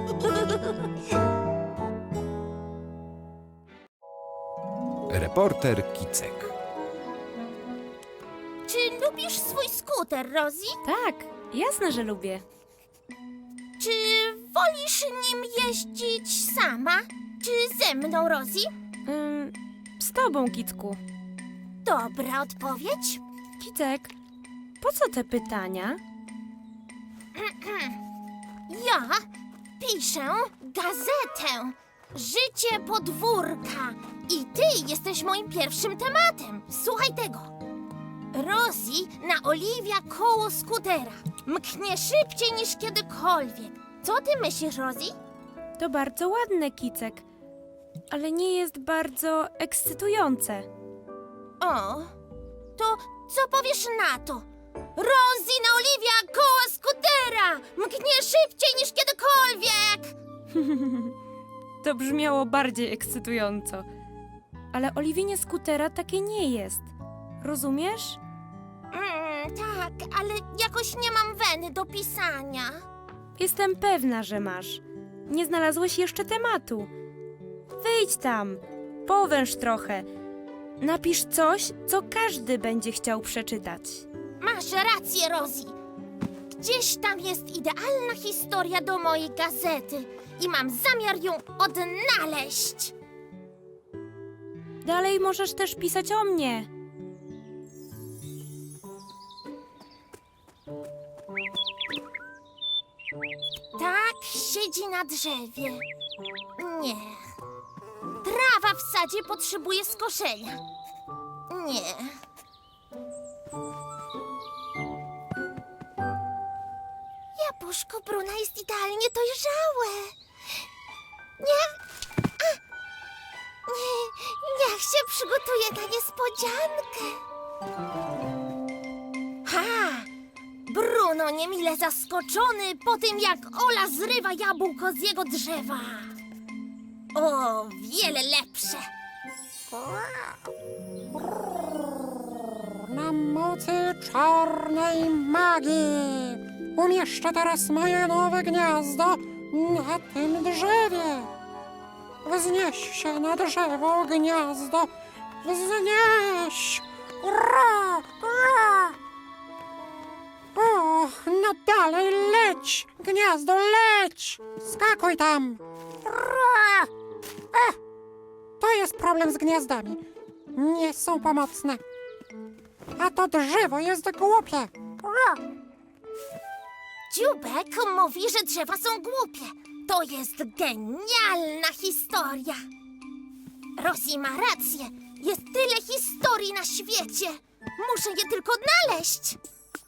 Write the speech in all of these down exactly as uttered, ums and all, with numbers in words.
Reporter Kicek. Czy lubisz swój skuter, Rosie? Tak, jasne, że lubię. Czy wolisz nim jeździć sama? Czy ze mną, Rosie? Ym, z tobą, Kicku. Dobra odpowiedź. Kicek, po co te pytania? Ja piszę gazetę Życie podwórka i ty jesteś moim pierwszym tematem. Słuchaj tego. Rosie naoliwia koło skutera. Mknie szybciej niż kiedykolwiek. Co ty myślisz, Rosie? To bardzo ładne, Kicek, ale nie jest bardzo ekscytujące. O, to co powiesz na to? Rosie naoliwia koło skutera! Mknie szybciej niż kiedykolwiek! To brzmiało bardziej ekscytująco. Ale oliwienie skutera takie nie jest. Rozumiesz? Mm, tak, ale jakoś nie mam weny do pisania. Jestem pewna, że masz. Nie znalazłeś jeszcze tematu. Wyjdź tam, powęż trochę. Napisz coś, co każdy będzie chciał przeczytać. Masz rację, Rosie. Gdzieś tam jest idealna historia do mojej gazety i mam zamiar ją odnaleźć. Dalej możesz też pisać o mnie. Tak siedzi na drzewie. Nie. Trawa w sadzie potrzebuje skoszenia. Nie. Jabłuszko Bruna jest idealnie dojrzałe. Nie. A! Nie. Niech się przygotuje na niespodziankę. Ha! Bruno niemile zaskoczony po tym, jak Ola zrywa jabłko z jego drzewa. O, wiele lepsze. Na mocy czarnej magii umieszczę teraz moje nowe gniazdo na tym drzewie. Wznieś się na drzewo, gniazdo. Wznieś! Ura! Ura! Och, no dalej leć! Gniazdo, leć! Skakuj tam! Ura! Ech, to jest problem z gniazdami. Nie są pomocne. A to drzewo jest głupie. Ura! Dziubek mówi, że drzewa są głupie. To jest genialna historia. Rosie ma rację. Jest tyle historii na świecie. Muszę je tylko odnaleźć.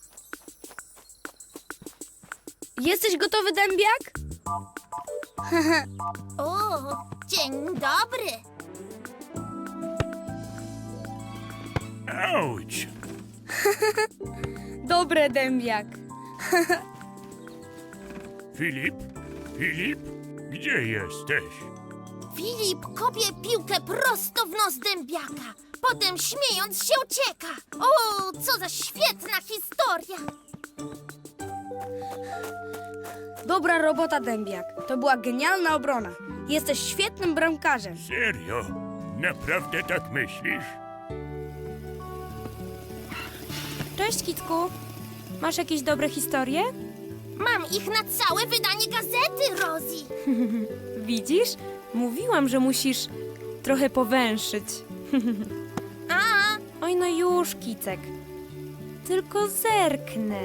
Jesteś gotowy, dębiak? O, dzień dobry. Auć! Dobre, dębiak. Filip? Filip? Gdzie jesteś? Filip kopie piłkę prosto w nos dębiaka. Potem śmiejąc się ucieka. O, co za świetna historia. Dobra robota, dębiak. To była genialna obrona. Jesteś świetnym bramkarzem. Serio? Naprawdę tak myślisz? Cześć, Kicku. Masz jakieś dobre historie? Mam ich na całe wydanie gazety, Rosie. Widzisz? Mówiłam, że musisz trochę powęszyć. A, Oj, no już, Kicek. Tylko zerknę.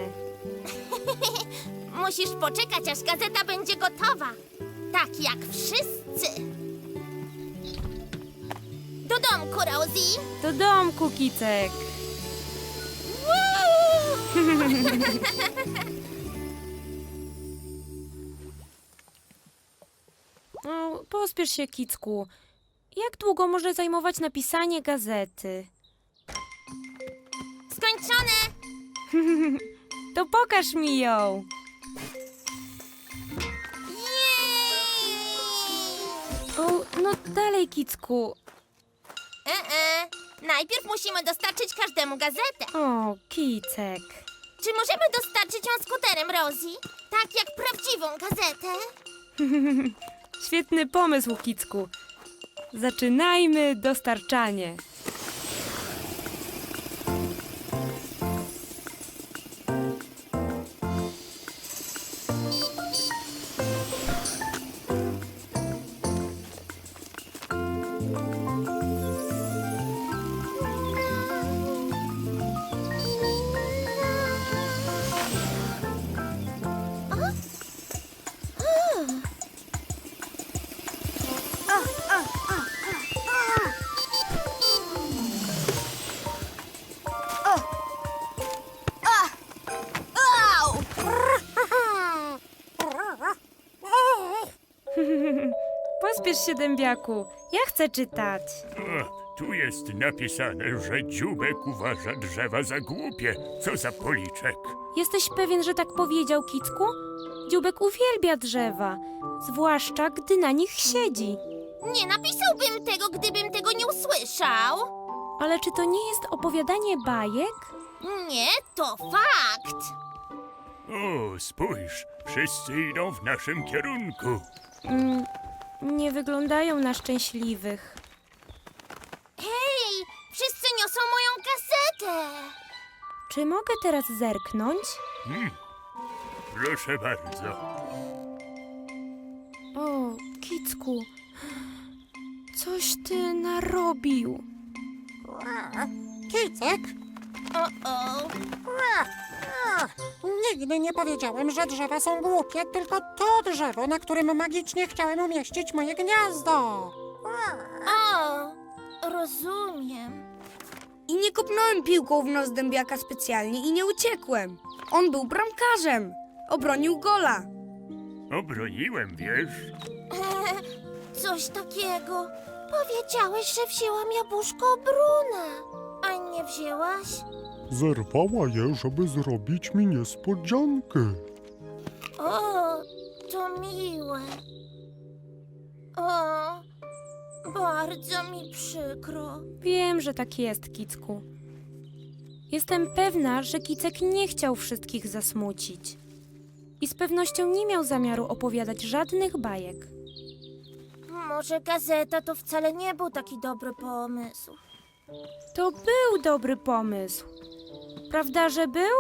musisz poczekać, aż gazeta będzie gotowa. Tak jak wszyscy. Do domku, Rosie. Do domku, Kicek. No, pospiesz się, Kicku. Jak długo może zajmować napisanie gazety? Skończone. To pokaż mi ją. Jej! O, no dalej, Kicku. E -e. Najpierw musimy dostarczyć każdemu gazetę. O, Kicek. Czy możemy dostarczyć ją skuterem, Rosie? Tak jak prawdziwą gazetę? Świetny pomysł, Kicku. Zaczynajmy dostarczanie. Pospiesz się, dębiaku. Ja chcę czytać. O, tu jest napisane, że dzióbek uważa drzewa za głupie. Co za policzek. Jesteś pewien, że tak powiedział, Kicku? Dzióbek uwielbia drzewa, zwłaszcza gdy na nich siedzi. Nie napisałbym tego, gdybym tego nie usłyszał. Ale czy to nie jest opowiadanie bajek? Nie, to fakt. O, spójrz, wszyscy idą w naszym kierunku. Mm, nie wyglądają na szczęśliwych. Hej, wszyscy niosą moją gazetę. Czy mogę teraz zerknąć? Hmm. Proszę bardzo. O, Kicku, coś ty narobił. Kicek? O-o. Nigdy nie powiedziałem, że drzewa są głupie, tylko to drzewo, na którym magicznie chciałem umieścić moje gniazdo. O, rozumiem. I nie kopnąłem piłką w nos dębiaka specjalnie i nie uciekłem. On był bramkarzem. Obronił gola. Obroniłem, wiesz? Coś takiego. Powiedziałeś, że wzięłam jabłuszko Bruna, a nie wzięłaś? Zerwała je, żeby zrobić mi niespodziankę. O, to miłe. O, bardzo mi przykro. Wiem, że tak jest, Kicku. Jestem pewna, że Kicek nie chciał wszystkich zasmucić. I z pewnością nie miał zamiaru opowiadać żadnych bajek. Może gazeta to wcale nie był taki dobry pomysł. To był dobry pomysł. Prawda, że był?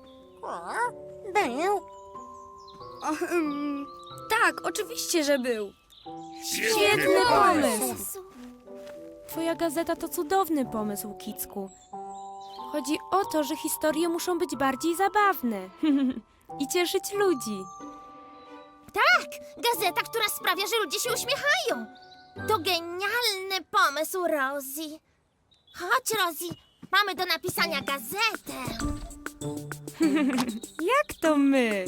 Był. O, ym, tak, oczywiście, że był. Świetny pomysł. Jezu. Twoja gazeta to cudowny pomysł, Kicku. Chodzi o to, że historie muszą być bardziej zabawne i cieszyć ludzi. Tak, gazeta, która sprawia, że ludzie się uśmiechają. To genialny pomysł, Rosie. Chodź, Rosie, mamy do napisania gazetę. Jak to my?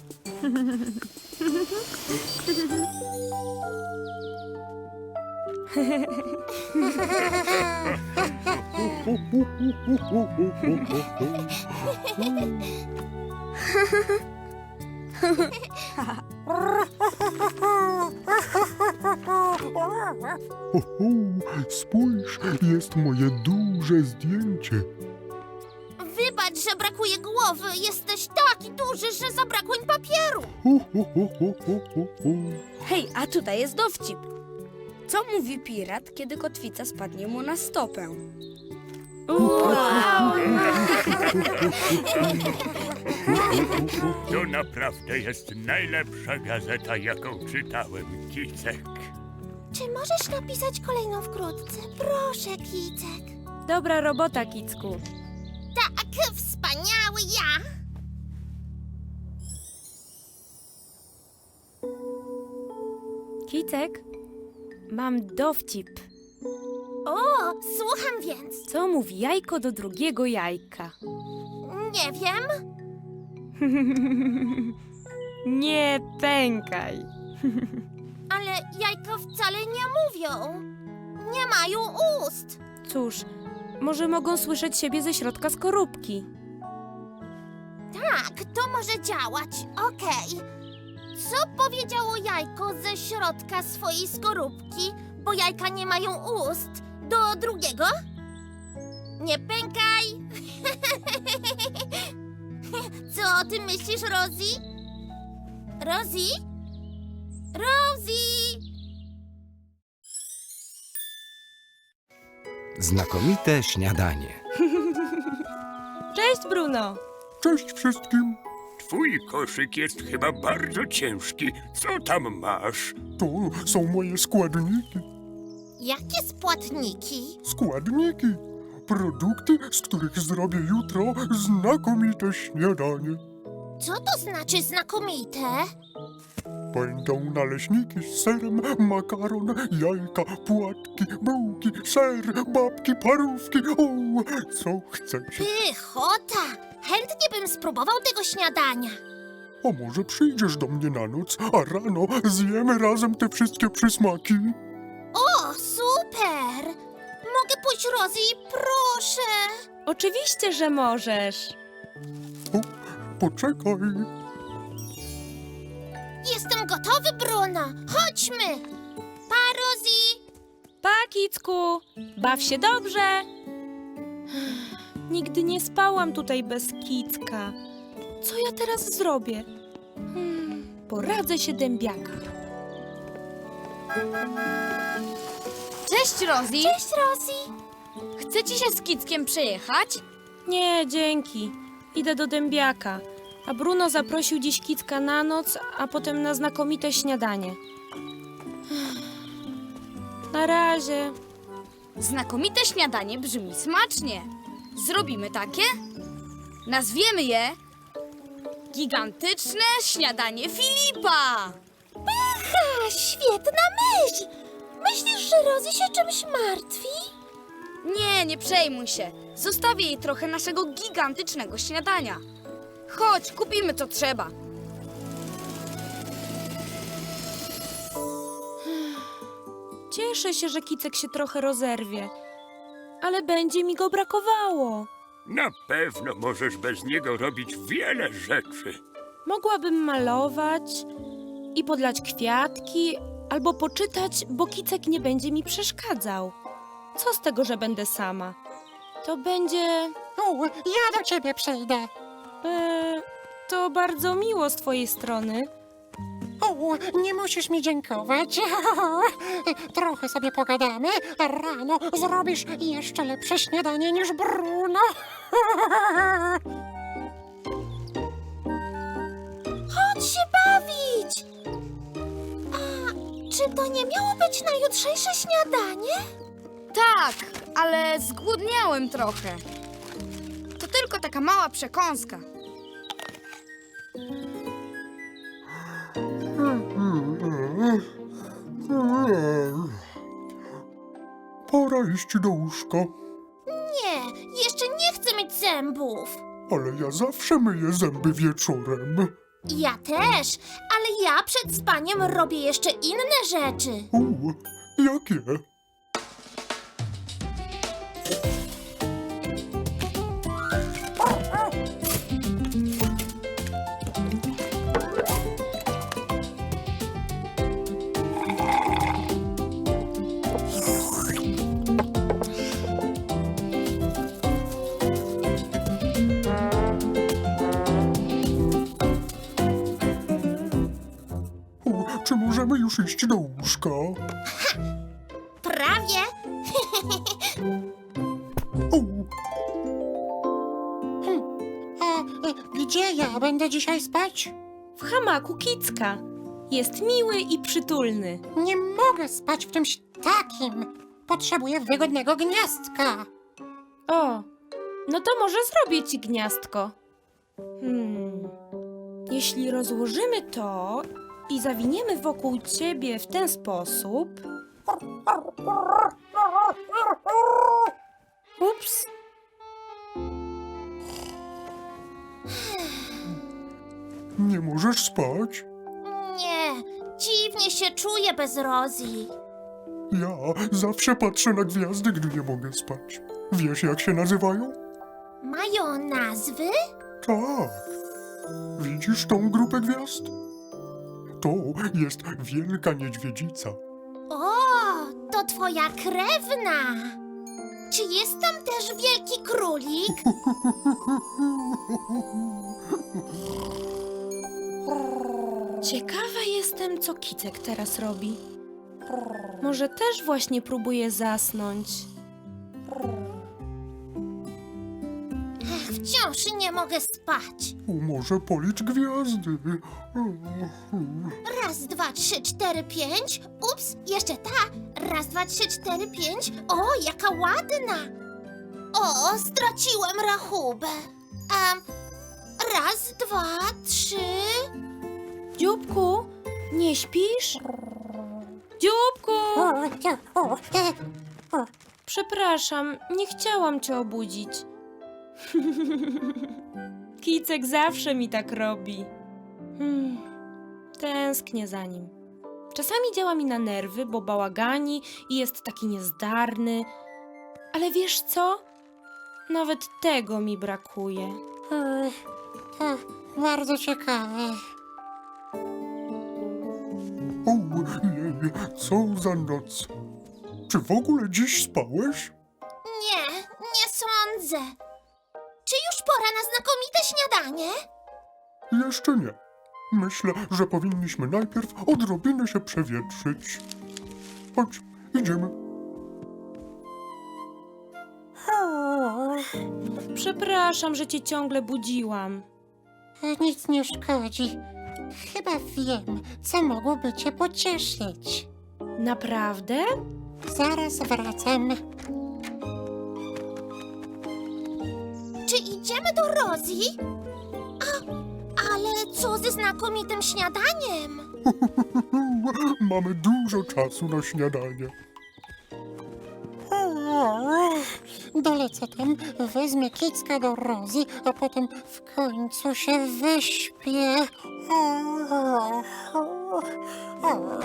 Ho, ho, spójrz, jest moje duże zdjęcie. Wybacz, że brakuje głowy. Jesteś taki duży, że zabrakło im papieru. Ho, ho, ho, ho, ho, ho, ho. Hej, a tutaj jest dowcip. Co mówi pirat, kiedy kotwica spadnie mu na stopę? Wow! To naprawdę jest najlepsza gazeta, jaką czytałem, Kicek. Czy możesz napisać kolejną wkrótce? Proszę, Kicek. Dobra robota, Kicku. Tak, wspaniały ja. Kicek, mam dowcip. O, słucham więc. Co mówi jajko do drugiego jajka? Nie wiem. Nie pękaj. Ale jajka wcale nie mówią. Nie mają ust. Cóż, może mogą słyszeć siebie ze środka skorupki. Tak, to może działać. Okej. Co powiedziało jajko ze środka swojej skorupki, bo jajka nie mają ust, do drugiego? Nie pękaj. Co o tym myślisz, Rosie? Rosie? Rosie! Znakomite śniadanie. Cześć, Bruno. Cześć wszystkim. Twój koszyk jest chyba bardzo ciężki. Co tam masz? To są moje składniki. Jakie spłatniki? Składniki. Produkty, z których zrobię jutro znakomite śniadanie. Co to znaczy znakomite? Będą naleśniki z serem, makaron, jajka, płatki, bułki, ser, babki, parówki. O, co chcecie? Pychota! Chętnie bym spróbował tego śniadania. A może przyjdziesz do mnie na noc, a rano zjemy razem te wszystkie przysmaki? O, super! Mogę pójść, Rosie, proszę! Oczywiście, że możesz. O, poczekaj. Jestem gotowy, Bruno. Chodźmy! Pa, Rosie! Pa, Kicku. Baw się dobrze. Nigdy nie spałam tutaj bez Kicka. Co ja teraz zrobię? Hmm, poradzę się dębiaka. Cześć, Rosie! Cześć, Rosie! Chce ci się z Kickiem przejechać? Nie, dzięki. Idę do dębiaka. A Bruno zaprosił dziś Kicka na noc, a potem na znakomite śniadanie. Na razie. Znakomite śniadanie brzmi smacznie. Zrobimy takie? Nazwiemy je Gigantyczne śniadanie Filipa! Ha, świetna myśl! Myślisz, że Rosie się czymś martwi? Nie, nie przejmuj się. Zostawię jej trochę naszego gigantycznego śniadania. Chodź, kupimy co trzeba. Cieszę się, że Kicek się trochę rozerwie. Ale będzie mi go brakowało. Na pewno możesz bez niego robić wiele rzeczy. Mogłabym malować i podlać kwiatki, albo poczytać, bo Kicek nie będzie mi przeszkadzał. Co z tego, że będę sama? To będzie... U, ja do ciebie przyjdę. E, to bardzo miło z twojej strony. O, nie musisz mi dziękować. Trochę sobie pogadamy, a rano zrobisz jeszcze lepsze śniadanie niż Bruno. Chodź się bawić! A czy to nie miało być na jutrzejsze śniadanie? Tak, ale zgłodniałem trochę. To tylko taka mała przekąska. Pora iść do łóżka. Nie, jeszcze nie chcę mieć zębów. Ale ja zawsze myję zęby wieczorem. Ja też, ale ja przed spaniem robię jeszcze inne rzeczy. U, jakie? U, czy możemy już iść do łóżka? Prawie. U, A e, gdzie ja będę dzisiaj spać? W hamaku Kicka. Jest miły i przytulny. Nie mogę spać w czymś takim. Potrzebuję wygodnego gniazdka. O, no to może zrobię ci gniazdko. Hmm. Jeśli rozłożymy to i zawiniemy wokół ciebie w ten sposób... Ups. nie możesz spać? Nie, dziwnie się czuję bez Rosie. Ja zawsze patrzę na gwiazdy, gdy nie mogę spać. Wiesz, jak się nazywają? Mają nazwy? Tak. Widzisz tą grupę gwiazd? To jest Wielka Niedźwiedzica. O, to twoja krewna. Czy jest tam też wielki królik? Ciekawa jestem, co Kicek teraz robi. Może też właśnie próbuje zasnąć. Ech, wciąż nie mogę spać. O, może policz gwiazdy. Raz, dwa, trzy, cztery, pięć. Ups, jeszcze ta. Raz, dwa, trzy, cztery, pięć. O, jaka ładna. O, straciłem rachubę. Um, raz, dwa, trzy. Dzióbku, nie śpisz? Dzióbku! O, o, e, o. Przepraszam, nie chciałam cię obudzić. Kicek zawsze mi tak robi. Hmm, tęsknię za nim. Czasami działa mi na nerwy, bo bałagani i jest taki niezdarny. Ale wiesz co? Nawet tego mi brakuje. E, e, bardzo ciekawe. Ojej, co za noc. Czy w ogóle dziś spałeś? Nie, nie sądzę. Czy już pora na znakomite śniadanie? Jeszcze nie. Myślę, że powinniśmy najpierw odrobinę się przewietrzyć. Chodź, idziemy. O, Przepraszam, że cię ciągle budziłam. nic nie szkodzi. Chyba wiem, co mogłoby cię pocieszyć. Naprawdę? Zaraz wracam. Czy idziemy do Rosie? A, ale co ze znakomitym śniadaniem? Mamy dużo czasu na śniadanie. O, dolecę tam, wezmę Kicka do Rosie, a potem w końcu się wyśpię. O, o, o.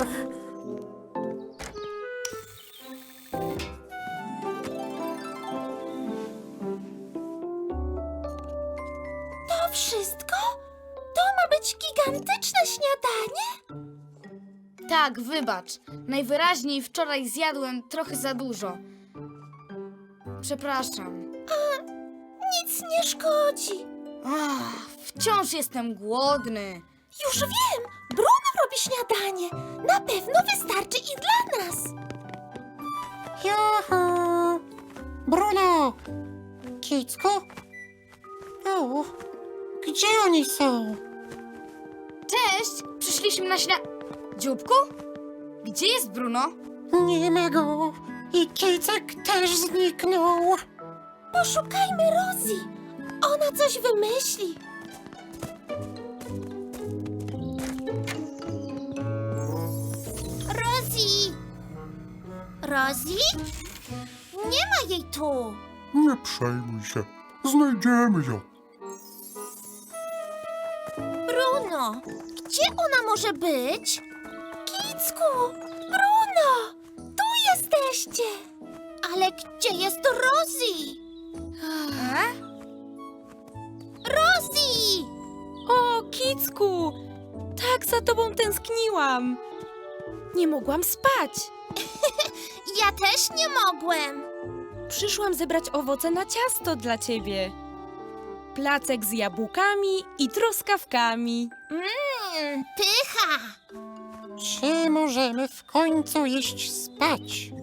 To wszystko? To ma być gigantyczne śniadanie? Tak, wybacz. Najwyraźniej wczoraj zjadłem trochę za dużo. Przepraszam. Nic nie szkodzi. Ach, wciąż jestem głodny. Już wiem, Bruno robi śniadanie. Na pewno wystarczy i dla nas. Juhu! Bruno! Kicku? O, gdzie oni są? Cześć! Przyszliśmy na śnia... Dzióbku? Gdzie jest Bruno? Nie ma go. I Kicek też zniknął. Poszukajmy Rosie. Ona coś wymyśli. Rosie! Rosie? Nie ma jej tu. Nie przejmuj się. Znajdziemy ją. Bruno, gdzie ona może być? Kicku, Bruno, tu jesteście. Ale gdzie jest Rosie? E? Rosie! O, Kicku! Tak za tobą tęskniłam. Nie mogłam spać. Ja też nie mogłem. Przyszłam zebrać owoce na ciasto dla ciebie. Placek z jabłkami i truskawkami. Mmm, pycha. Czy możemy w końcu iść spać?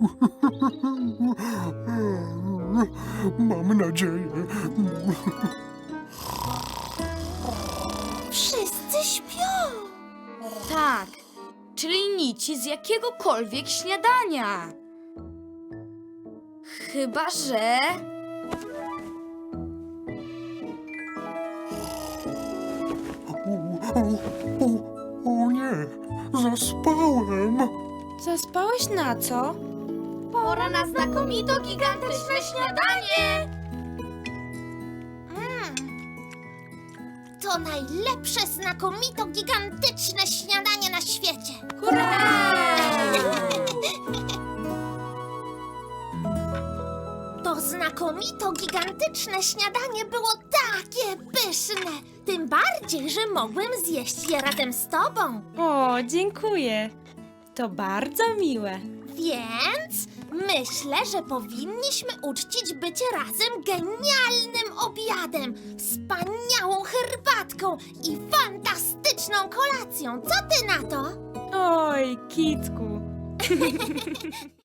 Mam nadzieję. Wszyscy śpią. Tak, czyli nici z jakiegokolwiek śniadania. Chyba, że... O, o, o, o nie, zaspałem. Zaspałeś na co? Pora na znakomito gigantyczne śniadanie! Mm. To najlepsze, znakomito, gigantyczne śniadanie na świecie. To znakomito, gigantyczne śniadanie było takie pyszne. Tym bardziej, że mogłem zjeść je razem z tobą. O, dziękuję. To bardzo miłe. Więc Myślę, że powinniśmy uczcić bycie razem genialnym obiadem, wspaniałą herbatką i fantastyczną kolacją. Co ty na to? Oj, Kicku.